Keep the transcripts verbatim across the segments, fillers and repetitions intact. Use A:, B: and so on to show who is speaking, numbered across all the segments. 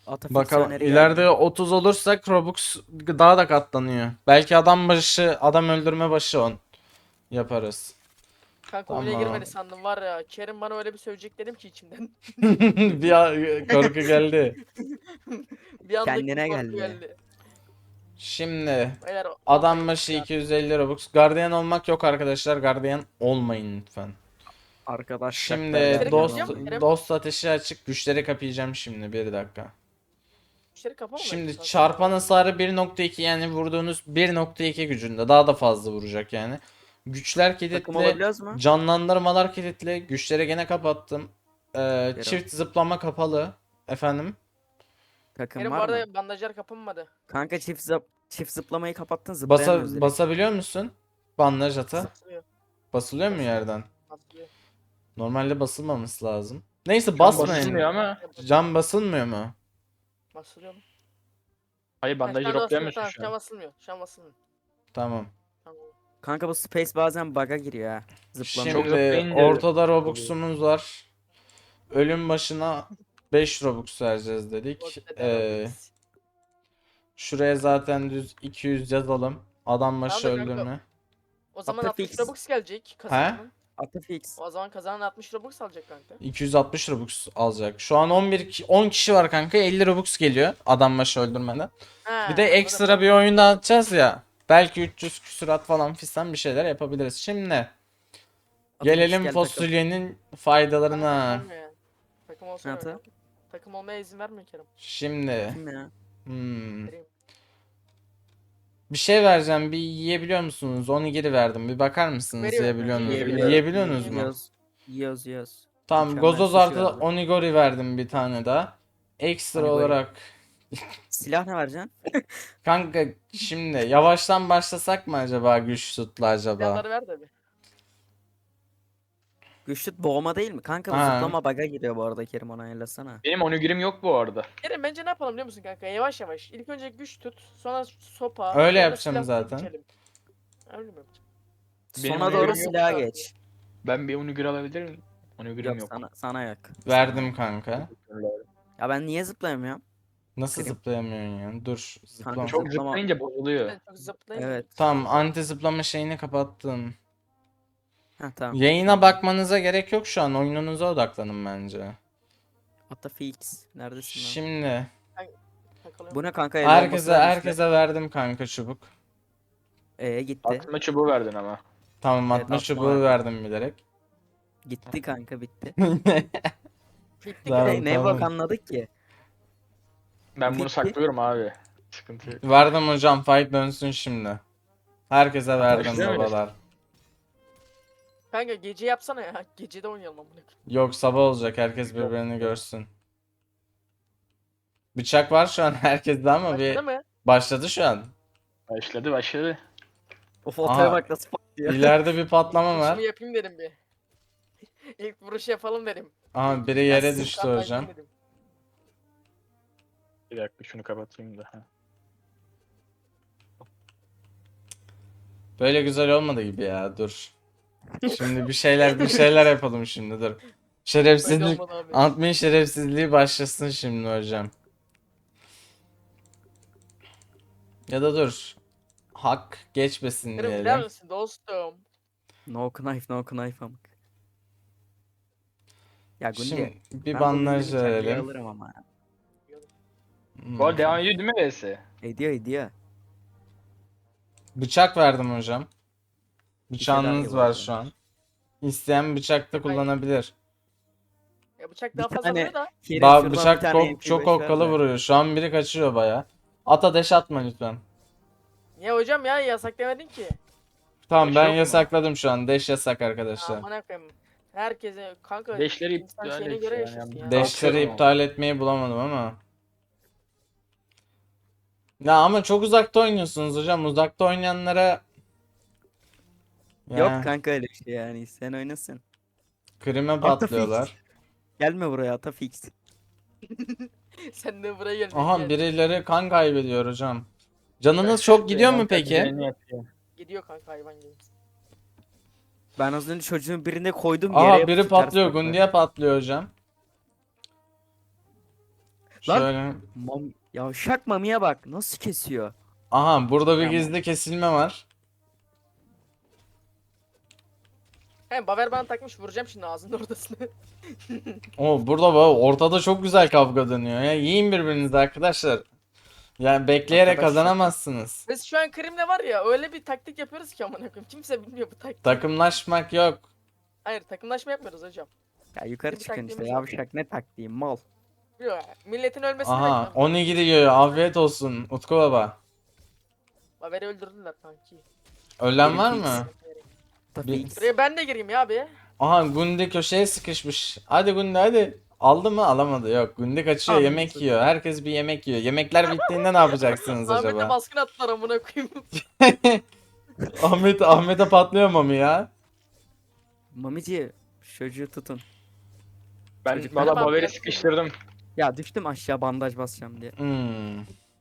A: Ata
B: Bakalım
A: fiksiyoneri
B: ileride
A: geldi.
B: otuz olursak Robux daha da katlanıyor. Belki adam başı adam öldürme başı on yaparız.
C: Kanka oyuna
B: Tamam.
C: girmedi sandım var ya. Kerim bana öyle bir söyleyecek dedim ki içimden.
B: Bir a- korku geldi.
C: Bir anlık bir
A: Kendine
C: korku
A: geldi.
C: geldi.
B: Şimdi
C: Beyler
B: adam
C: olmayın
B: başı
C: ya.
B: iki yüz elli Robux. Gardiyan olmak yok arkadaşlar. Gardiyan olmayın lütfen.
A: Arkadaşlar
B: Şimdi
C: Güçleri
B: dost
C: kapayacağım mı Kerem?
B: dost ateşi açık. Güçleri kapayacağım şimdi bir dakika.
C: Müşteri kapama mı?
B: Şimdi
C: esasında?
B: çarpan hasarı bir nokta iki yani vurduğunuz bir nokta iki gücünde daha da fazla vuracak yani. Güçler
A: takım
B: kilitli,
A: olabiliyoruz mu?
B: canlandırmalar kilitli. Güçleri gene kapattım. Ee,
A: Yere
B: çift zıplama kapalı. Efendim?
A: Takım
C: Kerim bu
A: var mı?
C: arada bandajlar kapanmadı.
A: Kanka çift zıp çift zıplamayı kapattın
B: Basa,
A: zıplayamıyoruz direkt.
B: basabiliyor musun? Bandaj ata.
C: Basılıyor.
B: Basılıyor mu
C: Basılıyor.
B: yerden?
C: Basılıyor.
B: Normalde basılmaması lazım. Neyse
D: Can
B: basmayın.
D: basılmıyor ama.
B: Can basılmıyor mu?
C: Basılıyor mu?
D: Hayır
C: Ha,
D: bandajı
C: şu an basılıyor.
D: droplayamıyorsun
C: Tamam,
D: şu
C: şu an
D: an.
C: basılmıyor. Şu an basılmıyor.
B: Tamam.
C: Tamam.
A: Kanka bu space bazen bug'a giriyor ha. Zıplama.
D: Çok
B: Şimdi
D: zıplayınca
B: ortada Robux'umuz var. Ölüm başına beş Robux vereceğiz dedik.
C: Ortada
B: Ee,
C: Robux.
B: şuraya zaten düz iki yüz yazalım. Adam başı
C: Tamam da kanka,
B: öldürme.
C: O zaman
A: Ata
C: altmış
A: fix.
C: Robux gelecek kazananın.
A: Ata fix.
C: O zaman kazanan altmış Robux alacak kanka.
B: iki yüz altmış Robux alacak. Şu an on bir ki- on kişi var kanka. elli Robux geliyor adam başı öldürmeden.
C: Ha,
B: Bir de
C: anladım.
B: ekstra bir oyunda atacağız ya. Belki üç yüz küsurat falan fistan bir şeyler yapabiliriz. Şimdi
A: Ata
B: gelelim
A: fix gel takım.
B: fasulyenin
C: Kanka
B: faydalarına.
C: takım olmuyor yani. Takım olsa
A: Ata?
C: öyle. Takım olmaya izin vermiyor Kerem.
B: Şimdi
A: Kim ya?
B: hmm,
C: Vereyim.
B: bir şey vereceğim. Bir yiyebiliyor musunuz? Onu geri verdim. Bir bakar mısınız?
C: Veriyor.
B: Yiyebiliyor musunuz?
C: Yiyebiliyor.
B: Yiyebiliyorsunuz mu?
A: Yiyoruz. Yiyoruz yiyoruz.
B: Tamam,
A: Mükemmel
B: Gozoz
A: sushi
B: artı
A: verdi.
B: onigori verdim bir tane daha. Ekstra
A: Onigori.
B: olarak
A: Silah ne vereceksin?
B: kanka şimdi yavaştan başlasak mı acaba güç tutla acaba?
C: Silahları ver de bir.
A: Güçlü boğma değil mi? Kanka bu
B: Ha.
A: zıplama bug'a giriyor bu arada Kerim ona ayarlasana.
D: Benim onigrim yok bu arada.
C: Kerem bence ne yapalım biliyor musun kanka? Yavaş yavaş. İlk önce güç tut. Sonra sopa.
B: Öyle
C: sonra
B: yapacağım
C: silah
B: zaten.
C: geçelim. Öyle mi yapacağım?
D: Benim
A: Sona
D: onigirim
A: doğru
D: yok
A: silaha
C: da.
A: geç.
D: Ben bir onigiri alabilir miyim? Onigrim
A: Yok
D: yok.
A: sana sana yok.
B: Verdim kanka.
A: Ya ben niye zıplayamıyorum?
B: Nasıl
A: Kırayım.
B: zıplayamıyorsun ya? Dur zıplama.
D: Çok
A: Zıplama-
D: zıplayınca bozuluyor.
C: Ben çok zıplayayım.
A: Evet.
B: Tamam, anti zıplama şeyini kapattım.
A: Ha tamam.
B: Yayına bakmanıza gerek yok şu an. Oyununuza odaklanın bence.
A: Ata fix. Neredesin lan?
B: Şimdi
C: Takılıyorum.
A: Bu ne kanka? El bombası
B: herkese
A: vermişler.
B: herkese verdim kanka çubuk.
A: Ee gitti.
D: Atma çubuğu verdin ama.
B: Tamam,
A: Evet,
B: atma
A: atma
B: çubuğu
A: verdim.
B: verdim bilerek.
A: Gitti kanka bitti.
C: Bitti
B: Tamam,
C: Kerem.
A: ne ne bak
B: tamam.
A: anladık ki?
D: Ben bunu
A: Bitti.
D: saklıyorum abi. Sıkıntı yok.
B: Verdim hocam, fight dönsün şimdi. Herkese verdim
D: Başlıyor muyuz?
B: babalar.
C: Kanka gece yapsana ya. Gecede oynayalım amına koyayım.
B: Yok, sabah olacak, herkes birbirini görsün. Bıçak var şu an herkeste ama bir
C: Başladı mı?
B: başladı şu an.
D: Başladı başladı.
A: O fotoğrafa
B: Aha.
A: bak nasıl patlıyor.
B: İleride bir patlama var.
C: Vuruşumu yapayım dedim bir. İlk vuruş yapalım dedim.
B: Aha, biri yere
C: Gelsin,
B: düştü
C: kan
B: hocam.
C: kaybedeyim dedim.
D: Bir dakika şunu kapatayım da. ha.
B: Böyle güzel olmadı gibi ya, dur. Şimdi bir şeyler bir şeyler yapalım şimdi, dur.
C: Böyle
B: Şerefsizlik,
C: olmadı abi.
B: admin şerefsizliği başlasın şimdi hocam. Ya da dur. Hak geçmesin
C: Kerem gider
B: diyelim.
C: misin dostum?
A: No knife no knife amık. Ya Gundi.
B: Şimdi bir
A: ben bu
B: bandaj
A: Gundi'nin kelleyi
B: verelim.
A: alırım ama.
B: Hmm.
D: Bu arada devam ediyor değil mi V S?
A: Ediyor ediyor.
B: Bıçak verdim hocam. Bıçağınız
A: gibi
B: var
A: oldu.
B: şu an. İsteyen bıçak da
C: Hayır.
B: kullanabilir.
C: Ya bıçak
A: Bir
C: daha fazla
A: tane-
C: vuruyor da.
A: Kerim
B: Ba
A: şuradan bir
B: bıçak
A: tane
B: çok,
A: M P beş
B: çok
A: ver
B: okkalı
A: de.
B: vuruyor. Şu an biri kaçıyor baya. Ata deş atma lütfen.
C: Niye hocam ya yasak demedin ki.
B: Tamam,
D: Deş
B: ben
D: yok mu?
B: yasakladım şu an. Deş yasak arkadaşlar.
C: Aman koyayım. Herkese kanka
D: Deşleri
C: insan
D: iptal
C: şeyine
D: et
C: göre
D: ya,
C: yaşasın
D: yani.
C: ya.
B: Deşleri
D: Atıyorum
B: iptal etmeyi bulamadım ama. Ya ama çok uzakta oynuyorsunuz hocam. Uzakta oynayanlara ya,
A: Yok kanka öyle bir şey yani. Sen oynasın.
B: krime
A: Ata
B: patlıyorlar.
A: Gelme buraya ata fix.
C: Sen de buraya gel.
B: Aha,
C: gel.
B: birileri kan kaybediyor hocam. Canınız çok gidiyor mu peki?
D: Düzenini yapıyor.
C: Gidiyor kanka hayvan gibi.
A: Ben az önce çocuğun birine koydum yere
B: Aha,
A: yapıştı,
B: biri
A: ters
B: patlıyor.
A: baktı.
B: Gundiye patlıyor hocam.
A: Lan.
B: Şöyle.
A: Mam Yavşak Mami'ye bak nasıl kesiyor.
B: Aha burada bir
A: Tamam.
B: gizli kesilme var.
C: He Baver bana takmış vuracağım şimdi ağzının ortasını.
B: O burada bak ortada çok güzel kavga dönüyor ya. Yiyin birbirinizi arkadaşlar. Yani bekleyerek
A: Arkadaşlar.
B: kazanamazsınız.
C: Biz şu an Krim'le var ya öyle bir taktik yapıyoruz ki amına koyayım. Kimse bilmiyor bu taktiği.
B: Takımlaşmak yok.
C: Hayır takımlaşma yapmıyoruz hocam.
A: Ya yukarı
C: Bir
A: çıkın işte
C: taktiğimiz var.
A: yavşak ne taktiği mal.
C: Yok milletin ölmesini
B: Aha
C: bekliyorum.
B: Oni gidiyor. Afiyet olsun Utku baba.
C: Baver'i öldürdüler kanki.
B: Ölen var
A: Benim
B: mı?
A: Ata
B: Bir-
A: Fix.
C: Buraya ben de gireyim ya abi.
B: Aha Gundi köşeye sıkışmış. Hadi Gundi hadi. Aldı mı? Alamadı. Yok. Gundi kaçıyor.
A: Aldı.
B: Yemek yiyor. Herkes bir yemek yiyor. Yemekler bittiğinde ne yapacaksınız
C: Ahmet'e
B: acaba?
C: baskın attılar amına koyayım.
B: Ahmet Ahmet'e patlıyor mu ya?
A: Mamici şu çocuğu tutun.
D: Ben
A: Çocuk-
D: valla
C: Tamam,
D: Baver'i
C: ben-
D: sıkıştırdım.
A: Ya düştüm aşağı bandaj basacağım diye.
B: Hmm.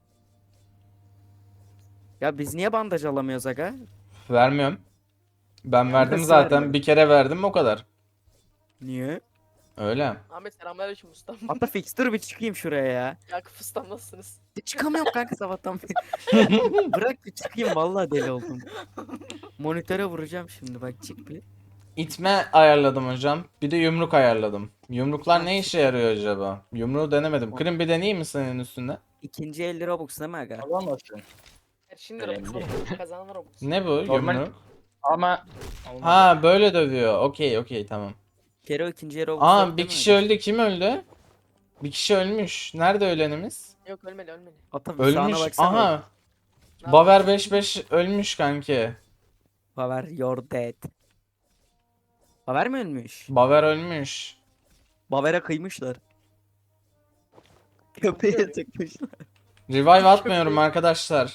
A: Ya biz niye bandaj alamıyoruz aga?
B: Vermiyorum. Ben verdim
A: nasıl
B: zaten.
A: vermiyorum?
B: Bir kere verdim o kadar.
A: Niye?
B: Öyle.
C: Ahmet selamünaleyküm ustam.
A: Ata Fix dur bir çıkayım şuraya ya.
C: Yakup ustam nasılsınız?
A: Çıkamıyorum kanka sabahtan beri. Bırak bir çıkayım vallahi deli oldum. Monitöre vuracağım şimdi bak çık bir.
B: İtme ayarladım hocam. Bir de yumruk ayarladım. Yumruklar ne işe yarıyor acaba? Yumruğu denemedim. Krim bir deneyeyim mi senin üstünde?
A: İkinci elli Robux değil mi aga?
D: Alamazsın.
C: Şimdi
D: Önemli.
C: Robux oğlum. Kazananlar Robux.
B: Ne bu
D: Normal-
B: yumruk?
D: Ama
B: Ha böyle dövüyor. Okey okey tamam.
A: Kero ikinci Robux.
B: Aa
A: yok
B: bir
A: değil mi
B: kişi
A: aga?
B: öldü. Kim öldü? Bir kişi ölmüş. Nerede ölenimiz?
C: Yok ölmeli ölmeli.
A: Ata bir sağına
B: Ölmüş.
A: baksana.
B: Aha.
C: Ne
B: Baver beş beş ölmüş kanki.
A: Baver you're dead. Baver mi ölmüş?
B: Baver ölmüş.
A: Baver'e kıymışlar. Köpeğe tıkmışlar.
B: Revive atmıyorum arkadaşlar.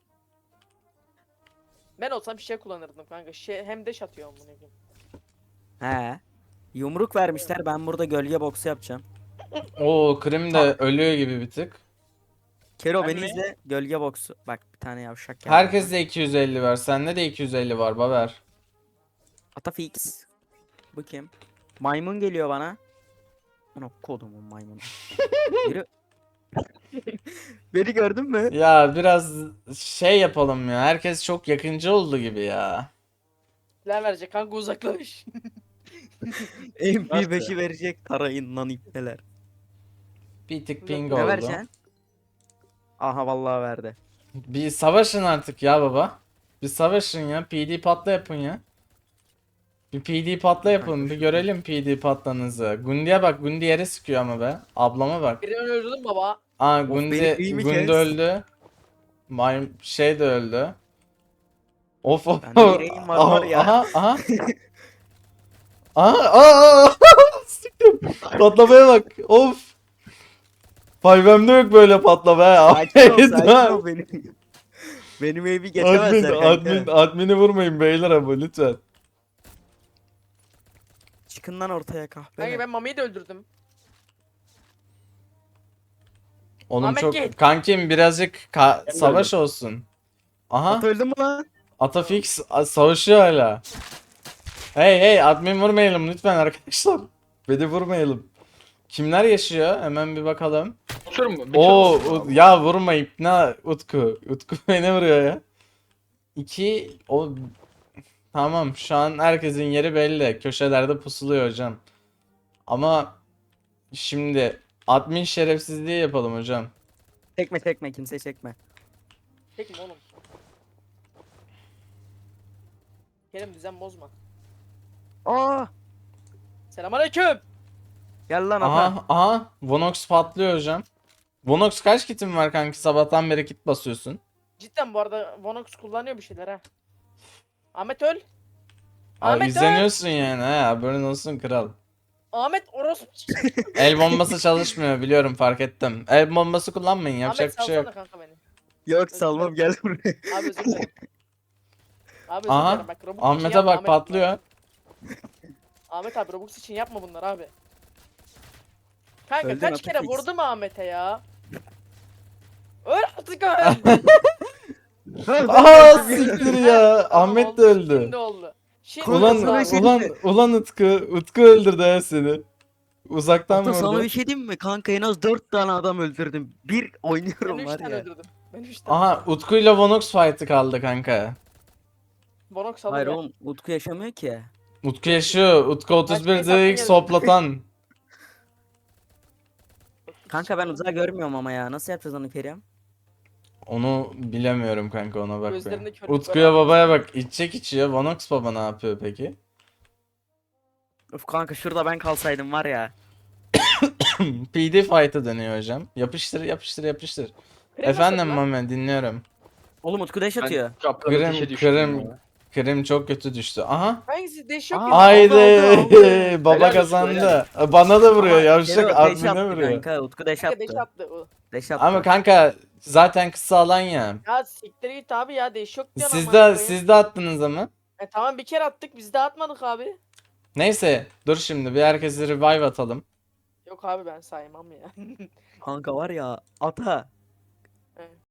C: Ben olsam şey kullanırdım kanka. Şey, hem deş atıyor amına koyayım.
A: He. Yumruk vermişler ben burada gölge boksu yapacağım.
B: Oo Krim de ölüyor gibi bir tık.
A: Kero
D: Ben
A: beni
D: mi?
A: izle gölge boksu. Bak bir tane yavşak geldi.
B: Herkes de iki yüz elli var. Sende de iki yüz elli var Baver.
A: Ata Fix. Bu kim? Maymun geliyor bana. Ana kodumun maymunu. Biri... Beni gördün mü?
B: Ya biraz şey yapalım ya. Herkes çok yakıncı oldu gibi ya.
C: Neler verecek kanka uzaklaş.
A: M P beşi
D: Nasıl?
A: verecek tarayın lan ipneler.
B: Bir tık ping
A: Ne
B: oldu.
A: vereceksin? Aha vallahi verdi.
B: Bir savaşın artık ya baba. Bir savaşın ya. P D patla yapın ya. Bir P D patla yapın. Bir görelim P D patlanızı. Gundi'ye bak. Gundi yere sıkıyor ama be. Ablama bak.
C: Birini öldürdüm baba.
B: Aa
A: Of,
B: Gundi,
A: beni iyi mi
B: Gundi
A: kes?
B: öldü. May şey de öldü. Of of.
A: Bende yüreğim var var ya.
B: Aha aha. Aha aa, aa. Sıktım. Patlamaya bak. Of. five M'de yok böyle patlama ya.
A: Sakin ol sakin ol benim. Benim evi
B: Admin,
A: geçemezler kanka.
B: admin, admini vurmayın beyler ama lütfen.
A: Çıkın lan ortaya kahpe.
C: Kanka ben Mami'yi de öldürdüm.
B: Oğlum
C: Ahmet
B: çok
C: gel.
B: kankim birazcık ka-
D: Ben de
B: savaş olsun. Aha
A: At öldü mü lan?
B: Atafix a- savaşıyor hala. Hey hey admin vurmayalım lütfen arkadaşlar. Beni vurmayalım. Kimler yaşıyor? Hemen bir bakalım.
D: Otur mu? Bir tur
B: Oo
D: mu?
B: U- ya vurmayıp ne Utku. Utku beni vuruyor ya. İki o tamam şu an herkesin yeri belli. Köşelerde pusuluyor hocam. Ama şimdi admin şerefsizliği yapalım hocam.
A: Çekme çekme kimse çekme.
C: Peki mi oğlum? Kerem düzen bozma.
A: Aa!
C: Selamünaleyküm.
A: Gel lan ata.
B: Aha aha Vonox patlıyor hocam. Vonox kaç kitin var kanki sabahtan beri kit basıyorsun.
C: Cidden bu arada Vonox kullanıyor bir şeyler ha. Ahmet öl.
B: Aa,
C: Ahmet öl.
B: izleniyorsun yani ha haberin olsun kral.
C: Ahmet orospu.
B: El bombası çalışmıyor biliyorum fark ettim. El bombası kullanmayın yapacak
C: Ahmet
B: bir şey yok.
C: salsana kanka beni.
A: Yok salmam gel buraya.
C: Abi özür dilerim. Abi özür
B: Aha,
C: dilerim bak Robux için
B: Ahmet'e
C: yapma,
B: bak
C: Ahmet.
B: patlıyor.
C: Ahmet abi Robux için yapma bunları abi. Kanka
A: Öldün
C: kaç kere
A: Atafix.
C: vurdum Ahmet'e ya. Öl artık öl.
B: Aa siktir ya.
C: Tamam,
B: Ahmet
C: oldu,
B: de öldü.
C: Şimdi oldu. Şimdi
B: Ulan
C: oldu
A: Ulan
C: abi.
A: şey-
B: ulan ulan Utku. Utku öldürdü ha seni. Uzaktan
A: Ata sana
B: vurdu.
A: bir şey diyeyim mi? Kanka en az dört tane adam öldürdüm. Bir
C: Ben
A: oynuyorum
C: üç
A: var
C: tane
A: ya.
C: öldürdüm. Ben üç tane.
B: Aha Utku'yla Vonox fight'ı kaldı kanka.
C: Bonox alır
A: Hayır
C: ya.
A: oğlum Utku yaşamıyor ki.
B: Utku yaşıyor. Utku otuz
C: Başka
B: bir
C: hesaptan
B: ilk
C: geldim.
B: soplatan.
A: Kanka ben uzağa görmüyorum ama ya. Nasıl yapacağız onu Kerim?
B: Onu bilemiyorum kanka, ona bak be.
C: Gözlerinde körlük var
B: Utku'ya
C: abi.
B: babaya bak, içecek içiyor. Vonox baba ne yapıyor peki?
A: Of kanka şurada ben kalsaydım var ya.
B: P D fight'ı dönüyor hocam. Yapıştır yapıştır yapıştır.
C: Krem
B: Efendim
C: nasıl lan?
B: Mame, dinliyorum.
A: Oğlum Utku deş atıyor.
D: Ben çapraz
B: Kırım,
D: ateşe düştüm
B: kırım.
D: ya.
B: Krim çok kötü düştü. Aha.
C: Hangisi deş yok
A: Aa,
C: ya.
B: Haydi.
A: aldı, aldı.
B: Baba
D: Helal olsun,
B: kazandı. Bana da vuruyor
A: Ama
B: yavşak,
A: Kero deş
B: admine
A: attı
B: vuruyor.
A: kanka. Utku deş
C: Kanka deş
A: attı.
C: attı. o.
A: Deş attı.
B: Ama kanka zaten kısa alan ya.
C: Ya siktir git abi ya deş yok diyorsun
B: Siz
C: amına
B: de
C: koyayım.
B: siz de attınız ama.
C: E tamam bir kere attık biz de atmadık abi.
B: Neyse dur şimdi bir herkese revive atalım.
C: Yok abi ben saymam ya.
A: Kanka var ya ata.
C: Evet.